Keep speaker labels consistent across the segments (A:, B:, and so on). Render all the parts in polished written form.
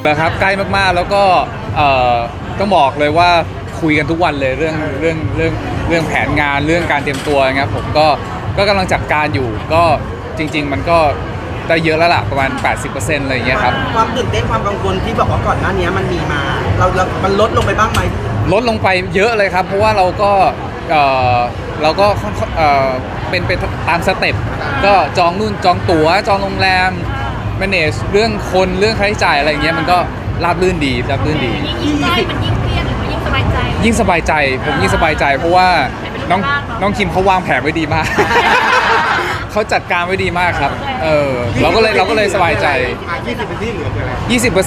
A: นะครับใกล้มากๆแล้วก็ต้องบอกเลยว่าคุยกันทุกวันเลยเรื่องแผนงานเรื่องการเตรียมตัวนะครับผมก็กำลังจัดการอยู่ก็จริงๆมันก็ได้เยอะแล้วล่ะประมาณ 80% อะไรอย่างเงี้ยครับ
B: ความตื่นเต้นความกังวลที่บอกว่าก่อนหน้านี้มันมีมามันลดลงไปบ้างไหม
A: ลดลงไปเยอะเลยครับเพราะว่าเราก็เป็นตามสเต็ปก็จองนู่นจองตั๋วจองโรงแรม manage เรื่องคนเรื่องค่าใช้จ่ายอะไรอย่างเงี้ยมันก็ราบรื่นดี
C: ยิ่งใกล้มันยิ่งเครียดหรือว่ายิ่งสบายใจ
A: ยิ่งสบายใจผมยิ่งสบายใจเพราะว่าน้องคิมเขาวางแผนไว้ดีมาก เขาจัดการไว้ดีมากครับเราก็เลยสบายใจ
D: 20% ที่เหลือคืออะไร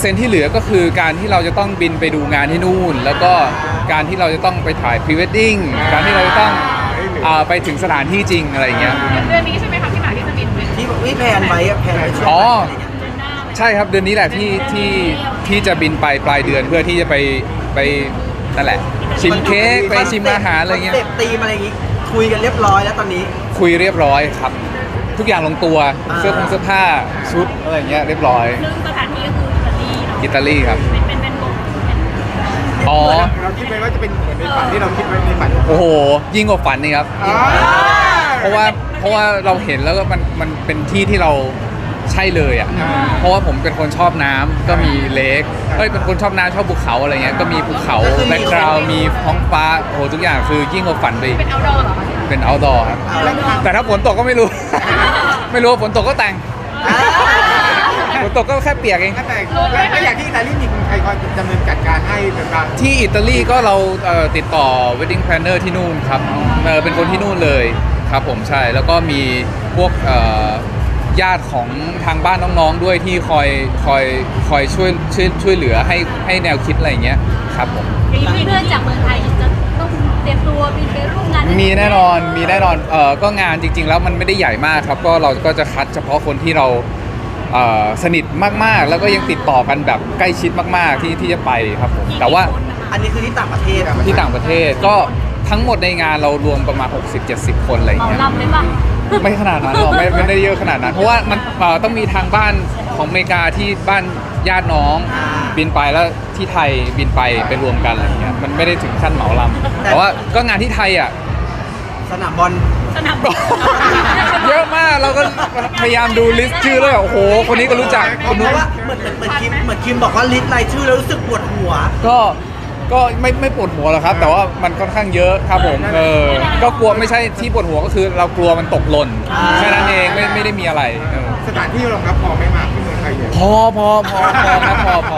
A: 20% ที่เหลือก็คือการที่เราจะต้องบินไปดูงานที่นู่นแล้วก็การที่เราจะต้องไปถ่ายพรีเวดดิ้งการที่เราจะต้องไปถึงสถานที่จริงอะไรอย่างเงี้ย
C: เดือนนี้ใช่ไหมคะพี่หมากที่จะบิน
B: ที่แพลนไว้แพลนไว้ช่วงอะไรเงี้ย
A: ใช่ครับเดือนนี้แหละที่จะบินไปปลายเดือนเพื่อที่จะไปนั่นแหละชิมเค้กไปชิมอาหารอะไรเงี้ย
B: เต็ปตีมอะไรอย่างงี้คุยกันเรียบร้อยแล้วตอนนี้
A: คุยเรียบร้อยครับทุกอย่างลงตัวเสื้อผ้าชุดอะไรเงี้ยเรียบร้อย
C: ซึ่งสถานที่ก็คืออิตาลี
A: ครับ
C: เป็นวง
D: อ๋อเราคิดไว้ว่าจะเป็นเหมือนในฝันที่เราคิดไว้ในฝัน
A: โอ้โหยิ่งกว่าฝันนี่ครับเพราะว่าเราเห็นแล้วก็มันเป็นที่ที่เราใช่เลยอ่ะเพราะว่าผมเป็นคนชอบน้ำก็มีเลคเป็นคนชอบน้ำชอบภูเขาอะไรเงี้ยก็มีภูเขาแบ็คกราวด์มีท้องฟ้าโอ้โหทุกอย่างคือยิ่งกว่าฝันไป
C: เป็นเอาท์ดอร์เหรอ
A: เป็นเอาท์ดอร์ครับแต่ถ้าฝนตกก็ไม่รู้ ไม่รู้ฝนตกก็แต่งฝนตกก็แค่เปียกเอง
D: แต่แล้วอย่างที่อิตาลีมีคนไทยคอยดำเนินจัดการให้เป็นการ
A: ที่อิตาลีก็เราติดต่อ wedding planner ที่นู่นครับเป็นคนที่นู่นเลยครับผมใช่แล้วก็มีพวกญาติของทางบ้านน้องๆด้วยที่คอยช่วยเหลือให้แนวคิดอะไรอย่างเงี้ยครับผม
C: มีเพื่อนจากเมืองไทยจะต้องเตรียมตัวบินไปร่วมงาน
A: มีแน่นอนก็งานจริงๆแล้วมันไม่ได้ใหญ่มากครับก็เราก็จะคัดเฉพาะคนที่เราสนิทมากๆแล้วก็ยังติดต่อกันแบบใกล้ชิดมากๆที่จะไปครับผมแต่ว่า
B: อันนี้คือที่ต่างประเทศ
A: ที่ต่างประเทศก็ทั้งหมดในงานเรารวมประมาณ 60-70 คนอะไรอย่างเงี้ย
C: ลำเลยป่ะ
A: ไม่ขนาดนั้นหรอกไม่ได้เยอะขนาดนั้นเพราะว่ามันต้องมีทางบ้านของอเมริกาที่บ้านญาติน้องบินไปแล้วที่ไทยบินไปรวมกันอะไรอย่างเงี้ยมันไม่ได้ถึงขั้นเหมาลำแต่ว่าก็งานที่ไทยอ่ะ
B: สนามบอล
A: เยอะมากเราก็พยายามดูลิสต์ชื่อแล้วโอ้โหคนนี้ก็รู้จัก
B: เพราะว่าเหมือนคิมบอกว่าลิสต์รายชื่อแล้วรู้สึกปวดหัว
A: ก็ไม่ปวดหัวหรอกครับแต่ว่ามันค่อนข้างเยอะครับผมก็กลัวไม่ใช่ที่ปวดหัวก็คือเรากลัวมันตกหล่นแค่นั้นเองไม่ได้มีอะไร
D: สถานที่รองรับพอไม่มากที่เมืองไทยเลย
A: พอครับ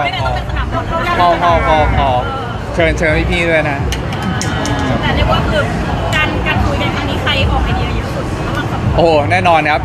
A: พอเชิญพี่ด้วยนะ
C: แต่เรียกว่าคือการคุยกันครั้งนี้ใครออกไอเดียเยอะสุด
A: โอ้แน่นอนครับ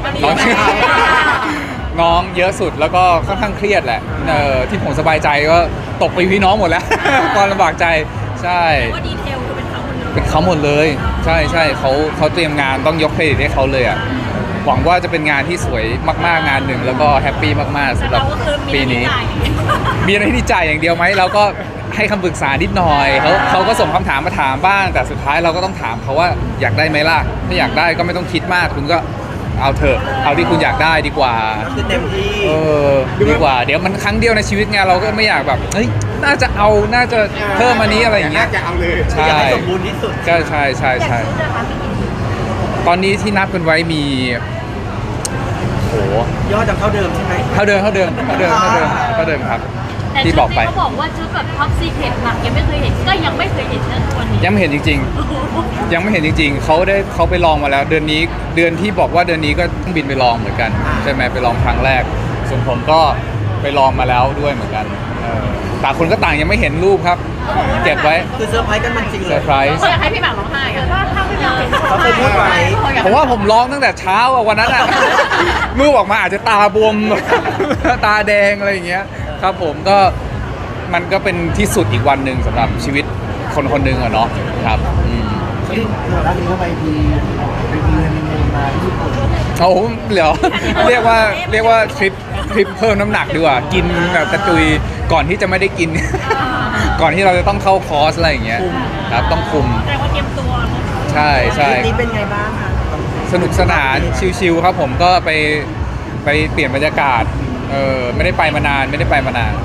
A: น้องเยอะสุดแล้วก็ค่อนข้างเครียดแหละที่ผมสบายใจก็ตกไปพี่น้องหมดแล้วความลำบากใจใช่
C: ว่าดีเทลคือ
A: เป็นเขาหมดเลยใช่เขาเตรียมงานต้องยกเครดิตให้เขาเลยอ่ะหวังว่าจะเป็นงานที่สวยมากๆงานหนึ่งแล้วก็แฮปปี้มากๆสำหรับปีนี้มีอะไรที่ดีใจอย่างเดียวไหมเราก็ให้คำปรึกษานิดหน่อยเขาก็ส่งคำถามมาถามบ้างแต่สุดท้ายเราก็ต้องถามเขาว่าอยากได้ไหมล่ะถ้าอยากได้ก็ไม่ต้องคิดมากคุณก็เอาเถอะเอาที่คุณอยากได้ดีกว่า
B: คือเต็มที่
A: ดีกว่าเดี๋ยวมันครั้งเดียวในชีวิตไงเราก็ไม่อยากแบบเฮ้ยน่าจะเพิ่มอันนี้อะไรอย่างเงี้ย
D: จะเอาเลย
A: ใช่
B: สมบูรณ์ที่สุด
A: ใช่ตอนนี้ที่นับกันไว้มีโห
B: ยอดจะเท่าเดิมใช่ไหม
A: เท่าเดิมครับที่บอกไป
C: เขาบอกว่าชุดแบบท็อปซีเคร็ตหนักยังไม่เคยเห็นนะวันนี้
A: ยังไม่เห็นจริงๆยังไม่เห็นจริงๆเขาไปลองมาแล้วเดือนที่บอกว่าเดือนนี้ก็ต้องบินไปลองเหมือนกันใช่ไหมไปลองครั้งแรกส่วนผมก็ไปลองมาแล้วด้วยเหมือนกันต่างคนก็ต่างยังไม่เห็นรูปครับเก็บไว้
B: คือเซอร์ไพรส์กันมันจริงเลย
A: เซอร์ไพรส์
C: เขาอยากให้พี่หมากร้องไห้ถ้าพี่หมาก
B: เขาเคยพูดไว้
A: ผมว่าผมร้องตั้งแต่เช้าวันนั้นรูปออกมาอาจจะตาบวมตาแดงอะไรอย่างเงี้ยครับผมก็มันก็เป็นที่สุดอีกวันหนึ่งสำหรับชีวิตคนหนึ่งอะเนาะครับ
B: ที่ร้านนี้ก็ไปดีเงินมาที่ญี่ปุ่น
A: เขาเรียกว่าทริปเพิ่มน้ำหนักดีกว่ากินแบบกระจุยก่อนที่จะไม่ได้กินก่อนที่เราจะต้องเข้าคอร์สอะไรอย่างเงี้ยครับต้องคุม
C: แต่ว่าเตรียมตัว
A: ใช่
B: นี่เป็นไงบ้างคะ
A: สนุกสนานชิลๆครับผมก็ไปเปลี่ยนบรรยากาศไม่ได้ไปมานาน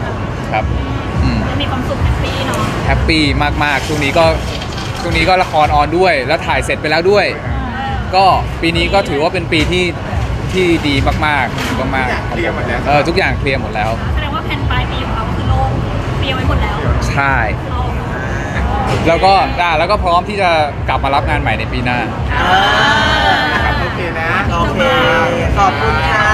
A: ครับอืม
C: มีความสุขแฮปปี้เนาะ
A: แฮปปี้มากๆช่วงนี้ก็ละครออนด้วย แล้วถ่ายเสร็จไปแล้วด้วย ก็ปีนี้ก็ถือว่าเป็นปีที่ดีมากๆมาก
D: เคลียร์หมดแล้ว
A: ทุกอย่างเคลียร์หมดแล้ว
C: แสดงว่าแผนปลายปีของเราก็คือโล่งเตรียมไว้หมดแล้ว
A: ใช่แล้วก็พร้อมที่จะกลับมารับงานใหม่ในปีหน้า
D: ครับโอเคนะ
B: โอเค ขอบคุณค่ะ